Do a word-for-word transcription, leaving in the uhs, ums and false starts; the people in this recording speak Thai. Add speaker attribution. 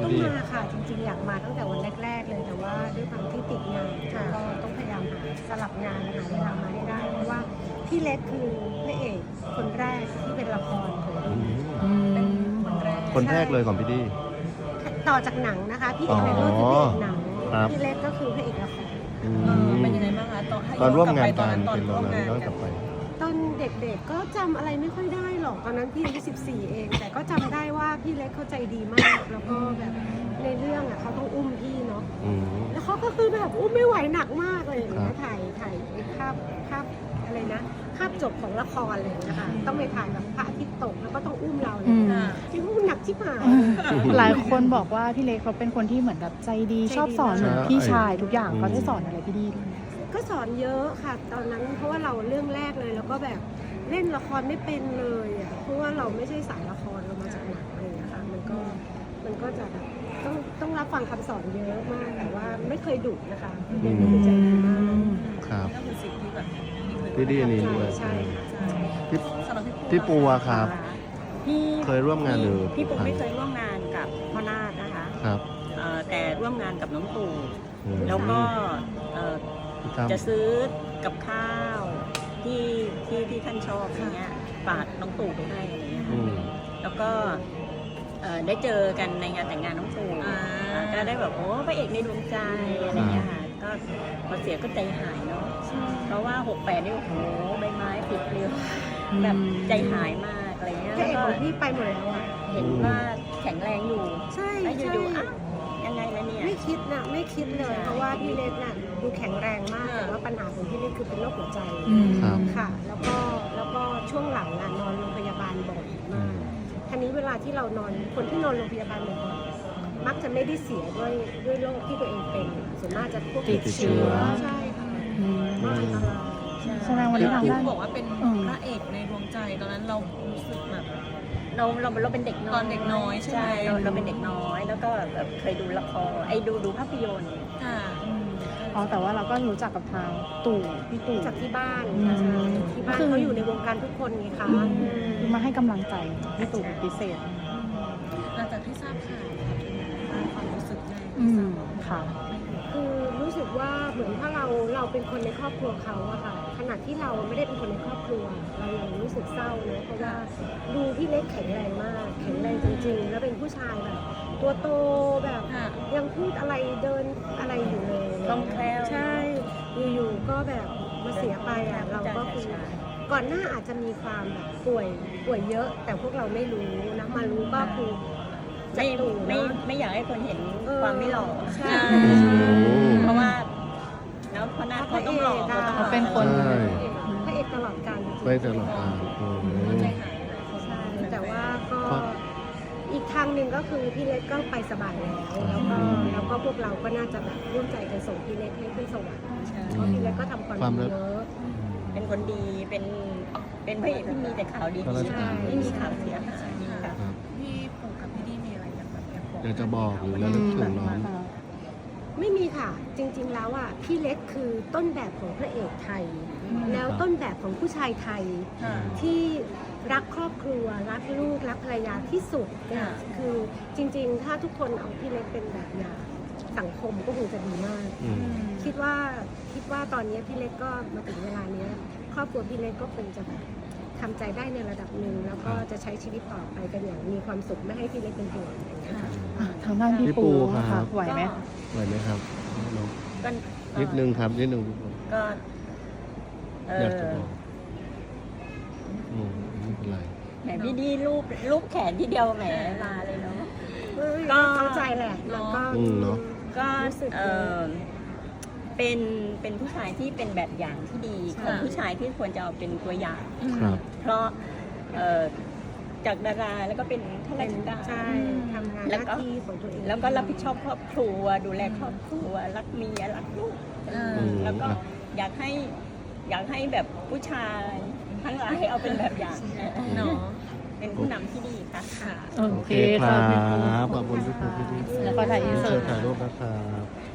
Speaker 1: พี่
Speaker 2: ก็
Speaker 1: ดี
Speaker 2: มาค่ะจริงๆอยากมาตั้งแต่วันแรกๆเลยแต่ว่าด้วยความที่ติดงานก็ต้องพยายามหาสลับงานหาเวลามาให้ได้เพราะว่าพี่เล็กคือพระเอกคนแรกที่เป็นละครของ
Speaker 1: อื
Speaker 2: ดี
Speaker 1: ม
Speaker 2: เป็นคนแรก
Speaker 1: คนแรกเลยของพี่ดี
Speaker 2: ต่อจากหนังนะคะพี่เอกในรุ่นคือพระเอกหนัง
Speaker 1: ครับ
Speaker 2: พี่เล็กก็คือพระเอกละคร
Speaker 1: อื
Speaker 3: เออ
Speaker 1: ม
Speaker 3: เป็นยังไงบ้างคะตอนให้
Speaker 1: ตอนร่วมงาน
Speaker 3: ต
Speaker 1: กั
Speaker 3: อน
Speaker 1: น
Speaker 3: ตอน
Speaker 1: เป็นต
Speaker 3: ร่
Speaker 1: อ
Speaker 3: วน ม
Speaker 1: นั้น
Speaker 3: งาน
Speaker 1: ย้อน
Speaker 3: กั
Speaker 1: กลั
Speaker 3: น
Speaker 1: บไป
Speaker 2: ตอนเด็กๆก็จำอะไรไม่ค่อยได้หรอกตอนนั้นพี่อายุสิบสี่เอง แต่ก็จำได้ว่าพี่เล็กเขาใจดีมาก แล้วก็แบบในเรื่องอ่ะเขาต้องอุ้มพี่เนาะ
Speaker 1: อืม
Speaker 2: แล้วเขาก็คือแบบอุ้มไม่ไหวหนักมากเลยอย่าง
Speaker 1: ครั
Speaker 2: เงี้
Speaker 1: บ
Speaker 2: ยถ่ายถ่ายไอ้ภาพภาพอะไรนะภาพจบของละครอะไรอย่างเลยนะคะต้องไปถ่ายแบบพระอาทิตย์ตกแล้วก็ต้องอุ้มเราเลย
Speaker 4: อืม
Speaker 2: ที่อุ้มหนักชิบหาย
Speaker 4: หลายคนบอกว่าพี่เล็กเขาเป็นคนที่เหมือนแบบใจดี
Speaker 2: ใจดี
Speaker 4: ชอบสอน
Speaker 1: ใช่
Speaker 4: เหมือนพี่ชายทุกอย่าง
Speaker 1: อืม
Speaker 4: เขาได้สอนอะไรพี่ดีด้วย
Speaker 2: ก็สอนเยอะค่ะ ตอนนั้นเพราะว่าเราเรื่องแรกเลยแล้วก็แบบเล่นละครไม่เป็นเลยอ่ะเพราะว่าเราไม่ใช่สายละครเรามาจากหนังอะไรอย่างเงี้ยค่ะมันก็มันก็จะแบบต้องต้องรับฟังคำสอนเยอะมากแต่ว่าไม่เคยดุนะคะพี่เล็กก็คือใจดีมาก
Speaker 1: ครับ
Speaker 3: ก็คือสิ่งที่แบบ
Speaker 1: พี่ดีอันนี้ด้วย
Speaker 2: ใช่ค่ะ
Speaker 3: ใช่
Speaker 1: พี่
Speaker 3: สำหรับ
Speaker 1: พี่ปูอะครับ
Speaker 5: พี่
Speaker 1: เคยร่วมงานหรือ
Speaker 5: พี่ปุ๊กไม่เคยร่วมงานกับพ่อนาฏนะคะ
Speaker 1: ครับ
Speaker 5: เอ่อแต่ร่วมงานกับน้องตู่
Speaker 1: อืม
Speaker 5: แล้วก็เอ่อ
Speaker 1: พี่ตั้ม
Speaker 5: จะซื้อกับข้าวที่ที่ที่ท่านชอบอย่างเงี้ยฝากน้องตู่ไปให้อะไรเงี้ย
Speaker 1: อื
Speaker 5: ค่ะ
Speaker 1: ม
Speaker 5: แล้วก็เอ่อได้เจอกันในงานแต่งงานน้องตู่
Speaker 3: อ่า
Speaker 5: ก็ได้แบบโอ้พระเอกในดวงใจอะไรเงี้ยค่ะก็พอเสียก็ใจหายเนาะเพราะว่าหกแปดนี่โอ้โหใบไม้ผลิปลิวแบบใจหายมากอะไรเงี้ย
Speaker 2: พระ
Speaker 5: แล้ว
Speaker 2: เอก
Speaker 5: ก็
Speaker 2: ของพี่ไปหมดแล้วอ่ะ
Speaker 5: เห็นว่าแข็งแรงอยู่
Speaker 2: ใช่
Speaker 5: แล้วอ
Speaker 2: ใช่
Speaker 5: ยู่ๆอ่ะยังไงล่ะเนี่ย
Speaker 2: ไม่คิดนะไม่คิดเลย
Speaker 5: ใช่
Speaker 2: เพราะว่าพี่เล็กน่ะดูแข็งแรงมากแต่ว่าปัญหาของพี่เล็กคือเป็นโรคหัวใจ
Speaker 4: อืม
Speaker 1: ครับ
Speaker 2: ค่ะ แล้วก็แล้วก็ช่วงหลังอ่ะนอนโรงพยาบาลบ่อยมากทีนี้เวลาที่เรานอนคนที่นอนโรงพยาบาลบ่อยๆมักจะไม่ได้เสียด้วยด้วยโรคที่ตัวเองเป็นส่วนมากจะพวก
Speaker 4: ติดเชื้อ
Speaker 2: ใช่ค่ะ
Speaker 4: อืม
Speaker 2: มากอันตราย
Speaker 4: แสดงวันนี้ทาง
Speaker 3: ที่
Speaker 4: ด้าน
Speaker 3: บอกว่าเป็น
Speaker 4: อืม
Speaker 3: พระเอกในดวงใจตอนนั้นเรารู้สึกแบบ
Speaker 5: เราเราเราเป็นเด็กน้อย
Speaker 3: ตอนเด็กน้อยใช่ไหม
Speaker 5: เราเราเป็นเด็กน้อย แล้วก็แบบเคยดูละครไอ้ดูดูภาพยนตร์
Speaker 3: ค่ะ
Speaker 4: อ๋อแต่ว่าเราก็รู้จักกับทางตู่พี่ตู่
Speaker 2: จากที่บ้าน
Speaker 4: อืม
Speaker 2: ใช่ที่บ้านเขาอยู่ในวงการทุกคนไงคะ
Speaker 4: คือมาให้กำลังใจพี่ตู่เป็นพิเศษ
Speaker 3: หลังจากที่ทราบข่าวความรู้สึกไง
Speaker 4: อืมค่ะ
Speaker 2: คือรู้สึกว่าเหมือนถ้าเราเราเป็นคนในครอบครัวเขาอะค่ะขณะที่เราไม่ได้เป็นคนในครอบครัว เรายังรู้สึกเศร้านะเพราะว่าดูพี่เล็กแข็งแรงมาก แข็งแรงจริงๆ แล้วเป็นผู้ชายแบบตัวโตแบบ
Speaker 3: ค่ะ
Speaker 2: ยังพูดอะไรเดินอะไรอยู่เลย
Speaker 5: คล่องแคล่ว
Speaker 2: ใช่อยู่ๆก็แบบมาเสียไปอะเราก็คือก่อนหน้าอาจจะมีความแบบป่วยป่วยเยอะ แต่พวกเราไม่รู้นะมารู้ก็คือ
Speaker 5: ไม่
Speaker 2: จากตู่
Speaker 5: ไม่
Speaker 2: เนอะ
Speaker 5: ไม่อยากให้คนเห็น
Speaker 2: เออ
Speaker 5: ความไม่หล่อ
Speaker 2: ใช่
Speaker 5: เพราะว่าแล้วเพราะหน้าเขาต้องหล่อเขาต้องหล่อ
Speaker 4: เขาเป็นคน
Speaker 1: ใช่
Speaker 2: พระเอกตลอดกาลจริงๆ
Speaker 1: ไปตลอดกาลอืม
Speaker 3: ใจหาย
Speaker 2: ใช่แต่ว่าก็
Speaker 1: ครับ
Speaker 2: อีกทางหนึ่งก็คือพี่เล็กก็ไปสบายแล้วแล้วก็
Speaker 1: อืม
Speaker 2: แล้วก็พวกเราก็น่าจะแบบร่วมใจกันส่งพี่เล็กให้ขึ้นสวรรค์
Speaker 5: ใช่
Speaker 2: เพราะพี่เล็กก็ทำความ
Speaker 1: ความ
Speaker 2: ดี
Speaker 1: รัก
Speaker 2: เยอะ
Speaker 5: เป็นคนดีเป็นเป็นพระเอกที่มีแต่ข่าวดี
Speaker 1: ข้าราช
Speaker 5: ๆ
Speaker 1: การ
Speaker 5: ไม่มีข่าวเสียหายค่ะ
Speaker 1: ครับ
Speaker 3: พี่ปู่กับพี่ดีมีอะไรอยากแบบอยากบอก
Speaker 1: อยากจะบอกหรือระลึกถึงน้อง
Speaker 2: ไม่มีค่ะ จริงๆแล้วอ่ะพี่เล็กคือต้นแบบของพระเอกไทย แล้วต้นแบบของผู้ชายไทย
Speaker 3: ค่ะ
Speaker 2: ที่รักครอบครัว รักลูก รักภรรยาที่สุดเนี่ย
Speaker 3: ค่ะ
Speaker 2: คือจริงๆ ถ้าทุกคนเอาพี่เล็กเป็นแบบอย่างสังคมก็คงจะดีมาก
Speaker 1: อืม
Speaker 2: คิดว่าคิดว่าตอนนี้พี่เล็กก็มาถึงเวลานี้ครอบครัวพี่เล็กก็คงจะแบบทำใจได้ในระดับหนึ่งแล้วก็จะใช้ชีวิตต่อไปกันอย่างมีความสุขไม่ให้พี่เล็กเป็นห่วงอย่างเงี้ยค่ะ
Speaker 4: อ่ะทางด้านพี่
Speaker 1: พี่ปู
Speaker 4: ปู
Speaker 1: ครับ
Speaker 4: ค่ะไหวไหม
Speaker 1: ไหวไหมครับน้อง
Speaker 5: ก็
Speaker 1: นิดนึงครับนิดนึง
Speaker 5: ก็เอ
Speaker 1: อยาก
Speaker 5: อ
Speaker 1: จะบอกอืมไม่เป็นไร
Speaker 5: แหมพี่ดีรูปรูปแขนที่เดียวแหมมาเลยเนาะ ก็
Speaker 2: ก็เข้าใจแหละแล้วก็
Speaker 1: อืมเนอะ
Speaker 5: ก็
Speaker 2: รู้สึก
Speaker 5: เออเป็นเป็นผู้ชายที่เป็นแบบอย่างที่ดีของผู้ชายที่ควรจะเอาเป็นตัวอย่าง
Speaker 1: ครับ
Speaker 5: เพราะเอ่อจากดาราแล้วก็เป็นข้าราชการ
Speaker 2: ใช่ทำงานห
Speaker 5: แล้ว
Speaker 2: น้า
Speaker 5: ก็
Speaker 2: ที่ของตัวเอง
Speaker 5: แล้วก็รับผิดชอบครอบครัว ดูแลครอบครัว รักเมียรักลูก
Speaker 3: อ่า
Speaker 1: อืม
Speaker 5: แล้วก็อยากให้อยากให้แบบผู้ชายทั้งหลายเอาเป็นแบบอย่าง
Speaker 3: เนาะ
Speaker 5: เป็นผู้นำที่ดีค่ะค่ะ
Speaker 4: โอ
Speaker 1: โอ
Speaker 4: เค
Speaker 1: เคค
Speaker 4: ค่ะ
Speaker 1: รั
Speaker 4: พี่ปู
Speaker 1: บขอบคุณพี่ปูพี่ดี
Speaker 4: แล้วก็ถ่ายอินเสิร์ต
Speaker 1: ถ่ายรูปนะครับ